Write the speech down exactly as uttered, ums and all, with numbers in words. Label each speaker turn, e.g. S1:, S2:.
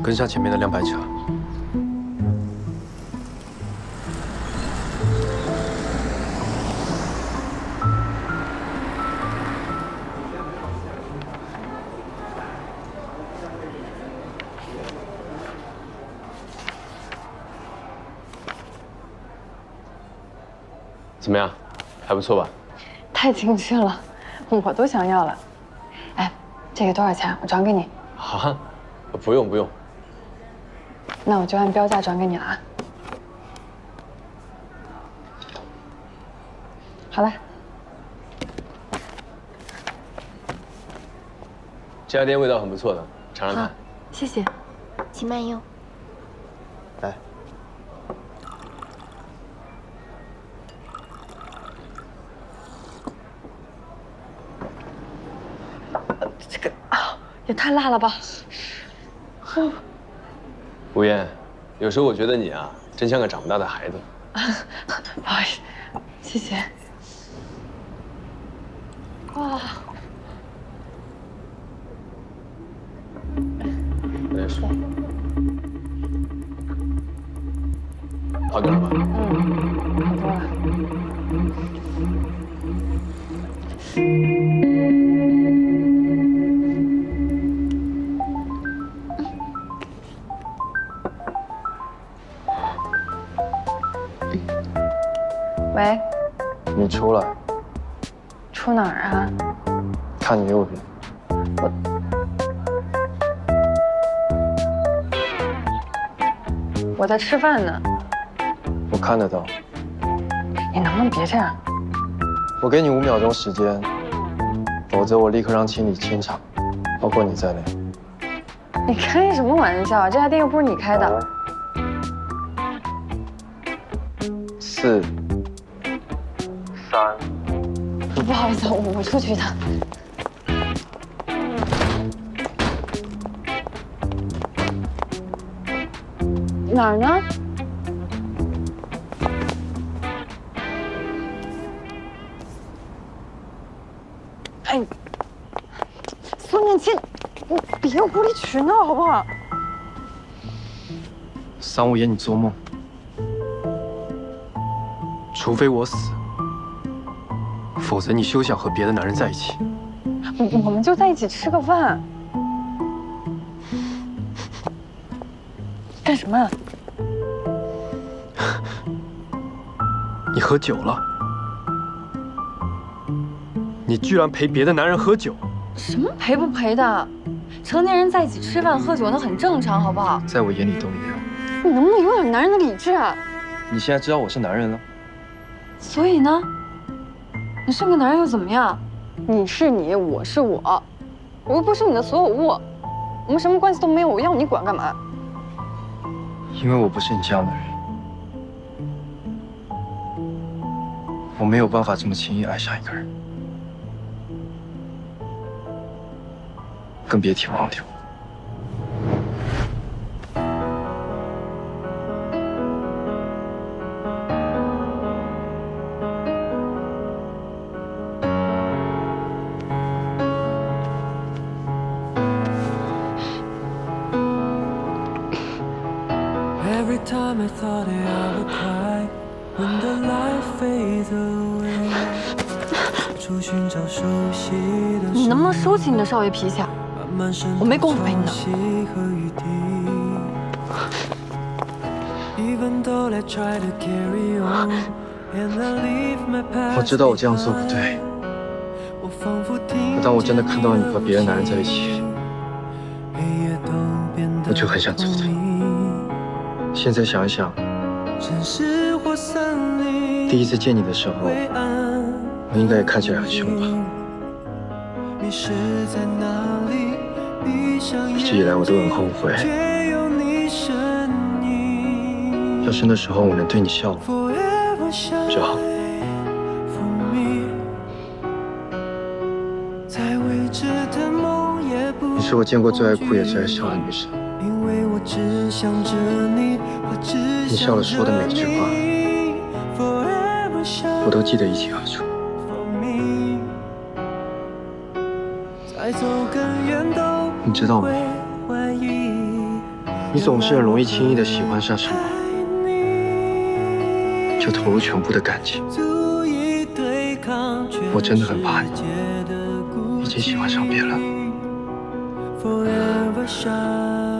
S1: 跟上前面的辆白车。怎么样，还不错吧？
S2: 太精致了，我都想要了。哎，这个多少钱？我转给你。
S1: 啊，不用不用。
S2: 那我就按标价转给你了啊。好了。
S1: 这家店味道很不错的，尝尝看。
S2: 谢谢，
S3: 请慢用。
S1: 来。
S2: 这个啊，也太辣了吧！
S1: 吴嫣，有时候我觉得你啊，真像个长不大的孩子。
S2: 不好意思，谢谢。哇！
S1: 来水。好点了吧？
S2: 嗯，好多了。喂，
S4: 你出来，
S2: 出哪儿啊？
S4: 看你右边。
S2: 我我在吃饭呢。
S4: 我看得到。
S2: 你能不能别这样？
S4: 我给你五秒钟时间，否则我立刻让清理清场，包括你在内。
S2: 你开什么玩笑？这家店又不是你开的。
S4: 四。三。
S2: 不好意思，我我出去一趟。哪儿呢？哎，孙念清，你别无理取闹好不好？
S4: 桑无言，你做梦。
S1: 除非我死，否则你休想和别的男人在一起。
S2: 我我们就在一起吃个饭。干什么啊？
S1: 你喝酒了？你居然陪别的男人喝酒？
S2: 什么陪不陪的？成年人在一起吃饭喝酒那很正常，好不好？
S4: 在我眼里都一样。
S2: 你能不能有点男人的理智啊？
S4: 你现在知道我是男人了？
S2: 所以呢？你是个男人又怎么样？你是你，我是我，我又不是你的所有物，我们什么关系都没有，我要你管干嘛？
S4: 因为我不是你这样的人，我没有办法这么轻易爱上一个人，更别提忘掉。
S5: Every time I thought that I would cry when the light fades away 出寻找熟悉的
S2: 你能不能收起你的少爷脾气啊？我没工夫陪你闹。
S4: 我知道我这样做不对，可当我真的看到你和别的男人在一起，我就很想走的。现在想一想，第一次见你的时候，我应该也看起来很凶吧？一直以来我都很后悔，要是那时候我能对你笑就好。你是我见过最爱哭也最爱笑的女生。你笑了说的每一句话，我都记得一清二楚。你知道吗？
S1: 你总是很容易轻易的喜欢上什么，就投入全部的感情。我真的很怕你已经喜欢上别人。